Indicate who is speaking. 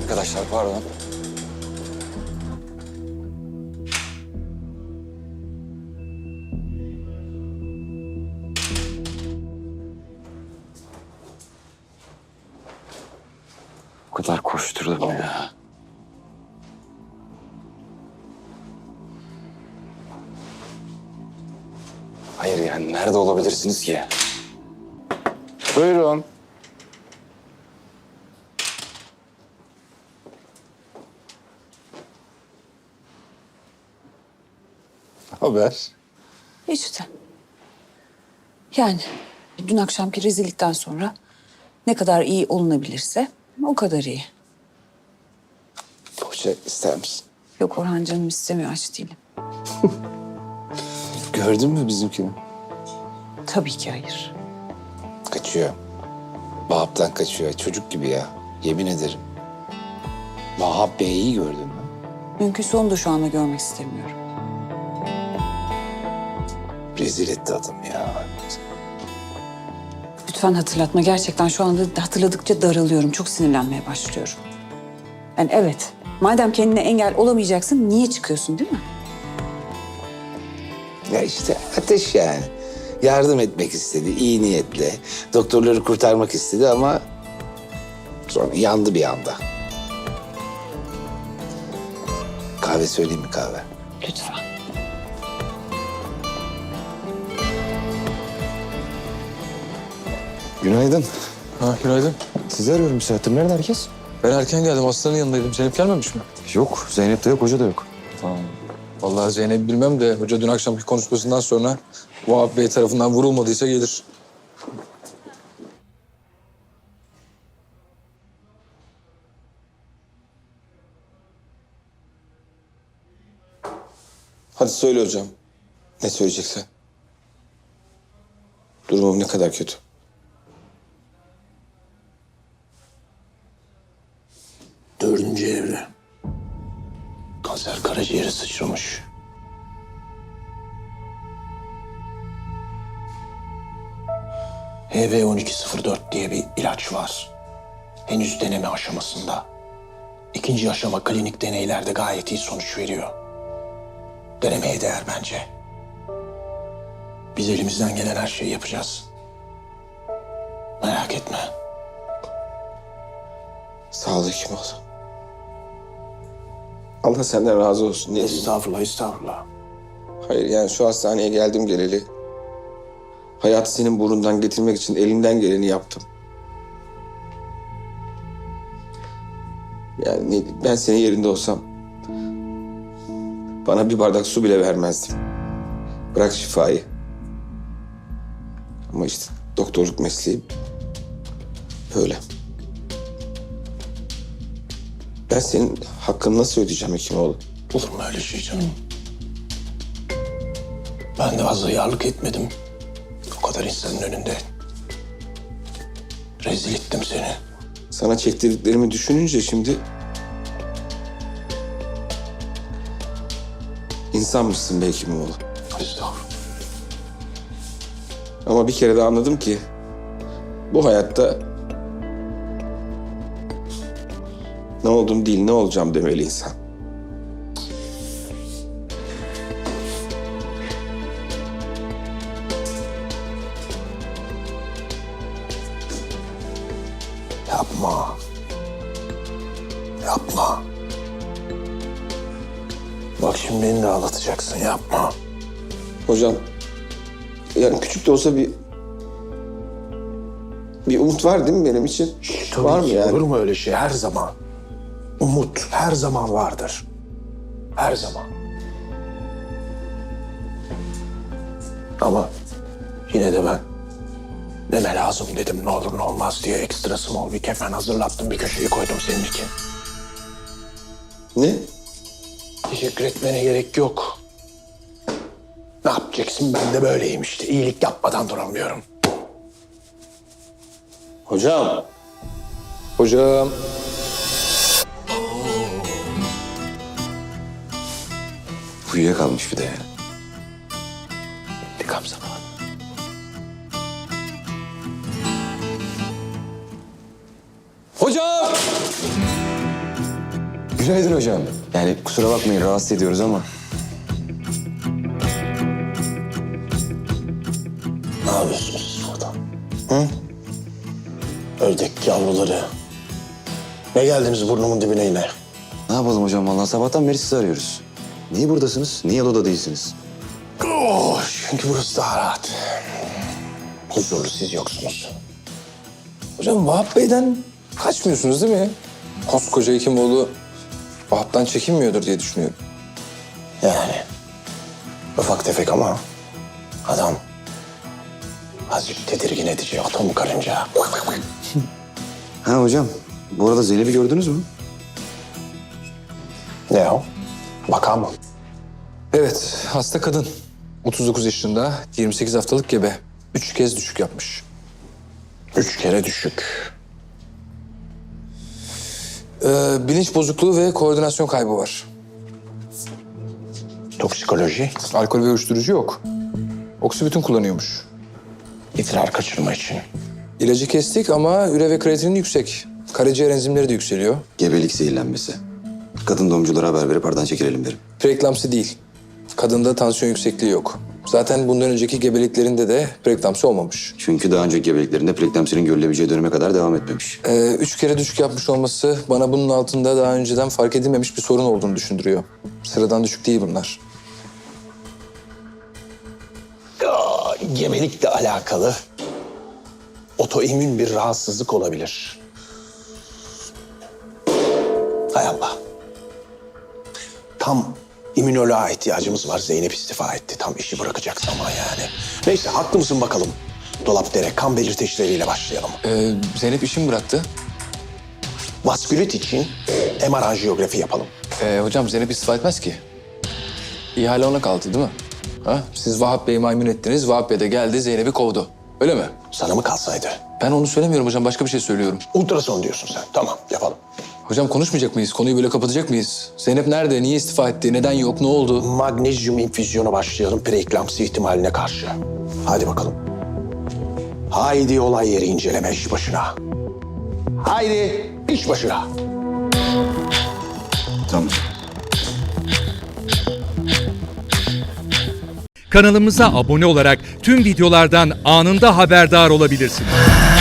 Speaker 1: Arkadaşlar pardon. O kadar koşturdum ya. Hayır yani nerede olabilirsiniz ki? Buyurun. Haber?
Speaker 2: İşte. Yani dün akşamki rezillikten sonra ne kadar iyi olunabilirse o kadar iyi.
Speaker 1: Poğaça ister misin?
Speaker 2: Yok Orhan canım istemiyor, aç değilim.
Speaker 1: Gördün mü bizimkini?
Speaker 2: Tabii ki hayır.
Speaker 1: Kaçıyor. Vahap'tan kaçıyor. Çocuk gibi ya. Yemin ederim. Vahap Bey'i gördün mü?
Speaker 2: Mümkünse onu da şu anda görmek istemiyorum.
Speaker 1: Rezil etti adam ya.
Speaker 2: Lütfen hatırlatma. Gerçekten şu anda hatırladıkça daralıyorum. Çok sinirlenmeye başlıyorum. Yani evet, madem kendine engel olamayacaksın niye çıkıyorsun değil mi?
Speaker 1: Ya işte ateş yani. Yardım etmek istedi iyi niyetle. Doktorları kurtarmak istedi ama sonra yandı bir anda. Kahve söyleyeyim mi kahve?
Speaker 2: Lütfen.
Speaker 3: Günaydın.
Speaker 4: Ha, günaydın.
Speaker 3: Sizi arıyorum bir saattir. Nerede herkes?
Speaker 4: Ben erken geldim. Hastanın yanındaydım. Zeynep gelmemiş mi?
Speaker 3: Yok. Zeynep de yok, hoca da yok.
Speaker 4: Tamam. Vallahi Zeynep bilmem de hoca dün akşamki konuşmasından sonra Vahap Bey tarafından vurulmadıysa gelir. Hadi söyle hocam. Ne söyleyeceksen. Durumum ne kadar kötü?
Speaker 5: Dördüncü evre. Kanser karaciğere sıçramış. HB1204 diye bir ilaç var. Henüz deneme aşamasında. İkinci aşama klinik deneylerde gayet iyi sonuç veriyor. Denemeye değer bence. Biz elimizden gelen her şeyi yapacağız. Merak etme.
Speaker 4: Sağ ol Hekimoğlu. Allah senden razı olsun. Ne diyeyim?
Speaker 5: Estağfurullah, estağfurullah.
Speaker 4: Hayır yani şu hastaneye geldim geleli. Hayatı senin burnundan getirmek için elimden geleni yaptım. Yani ben senin yerinde olsam bana bir bardak su bile vermezdim. Bırak şifayı. Ama işte doktorluk mesleği böyle. Ben senin hakkını nasıl ödeyeceğim Hekimoğlu?
Speaker 5: Olur mu öyle şey canım? Ben de fazla yarlık etmedim. O kadar insanın önünde. Rezil ettim seni.
Speaker 4: Sana çektirdiklerimi düşününce şimdi... İnsanmışsın be Hekimoğlu.
Speaker 5: Estağfurullah.
Speaker 4: Ama bir kere de anladım ki... Bu hayatta... Ne oldum değil, ne olacağım demeli insan.
Speaker 5: Yapma. Yapma. Bak şimdi beni de ağlatacaksın, yapma.
Speaker 4: Hocam... Yani küçük de olsa bir umut var değil mi benim için?
Speaker 5: Tabii
Speaker 4: Var mı
Speaker 5: ki,
Speaker 4: yani?
Speaker 5: olur mu öyle şey her zaman? Umut her zaman vardır. Her zaman. Ama yine de ben deme lazım dedim, ne olur ne olmaz diye ekstra small bir kefen hazırlattım, bir köşeye koydum senin için.
Speaker 4: Ne?
Speaker 5: Teşekkür etmene gerek yok. Ne yapacaksın, ben de böyleyim işte. İyilik yapmadan duramıyorum.
Speaker 4: Hocam. Hocam.
Speaker 3: Uyuyakalmış bir de ya.
Speaker 5: İntikam zamanı.
Speaker 4: Hocam!
Speaker 3: Günaydın hocam. Yani kusura bakmayın rahatsız ediyoruz ama.
Speaker 5: Ne yapıyorsunuz siz burada? Hı? Ördek yavruları. Ne geldiniz burnumun dibine yine?
Speaker 3: Ne yapalım hocam vallahi sabahtan beri sizi arıyoruz. Niye buradasınız? Niye odada değilsiniz?
Speaker 5: Oh, çünkü burası daha rahat. Huzurlu, siz yoksunuz.
Speaker 4: Hocam Vahap Bey'den kaçmıyorsunuz değil mi? Koskoca Hekimoğlu Vahap'tan çekinmiyordur diye düşünüyorum.
Speaker 5: Yani ufak tefek ama adam azıcık tedirgin edici atom karınca.
Speaker 3: Ha hocam bu arada Zeynep'i gördünüz mü?
Speaker 5: Ne o? Vaka mı?
Speaker 6: Evet, hasta kadın. 39 yaşında, 28 haftalık gebe. 3 kez düşük yapmış.
Speaker 5: 3 kere düşük.
Speaker 6: Bilinç bozukluğu ve koordinasyon kaybı var.
Speaker 5: Toksikoloji,
Speaker 6: Alkol ve uyuşturucu yok. Oksibütün kullanıyormuş.
Speaker 5: idrar kaçırma için.
Speaker 6: İlacı kestik ama üre ve kreatinin yüksek. Karaciğer enzimleri de yükseliyor.
Speaker 3: Gebelik zehirlenmesi. Kadın doğumculara haber verip aradan çekilelim derim.
Speaker 6: Preeklamsi değil. Kadında tansiyon yüksekliği yok. Zaten bundan önceki gebeliklerinde de preeklamsi olmamış.
Speaker 3: Çünkü daha önceki gebeliklerinde preeklamsinin görülebileceği döneme kadar devam etmemiş.
Speaker 6: 3 kere düşük yapmış olması bana bunun altında daha önceden fark edilmemiş bir sorun olduğunu düşündürüyor. Sıradan düşük değil bunlar.
Speaker 5: Gebelikle alakalı otoimmün bir rahatsızlık olabilir. Hay Allah. Tam immünoloğa ihtiyacımız var. Zeynep istifa etti. Tam işi bırakacak zaman yani. Neyse haklı mısın bakalım. Dolapdere kan belirteçleriyle başlayalım.
Speaker 6: Zeynep işimi bıraktı.
Speaker 5: Vaskülit için MR anjiyografi yapalım.
Speaker 6: Hocam Zeynep istifa etmez ki. İhale ona kaldı değil mi? Ha? Siz Vahap Bey'i maymun ettiniz, Vahap Bey de geldi Zeynep'i kovdu. Öyle mi?
Speaker 5: Sana mı kalsaydı?
Speaker 6: Ben onu söylemiyorum hocam, başka bir şey söylüyorum.
Speaker 5: Ultrason diyorsun sen. Tamam yapalım.
Speaker 6: Hocam konuşmayacak mıyız? Konuyu böyle kapatacak mıyız? Zeynep nerede? Niye istifa etti? Neden yok? Ne oldu?
Speaker 5: Magnezyum infüzyonu başlayalım preeklamsi ihtimaline karşı. Hadi bakalım. Haydi olay yeri inceleme iş başına. Haydi iş başına.
Speaker 3: Tamam.
Speaker 7: Kanalımıza abone olarak tüm videolardan anında haberdar olabilirsiniz.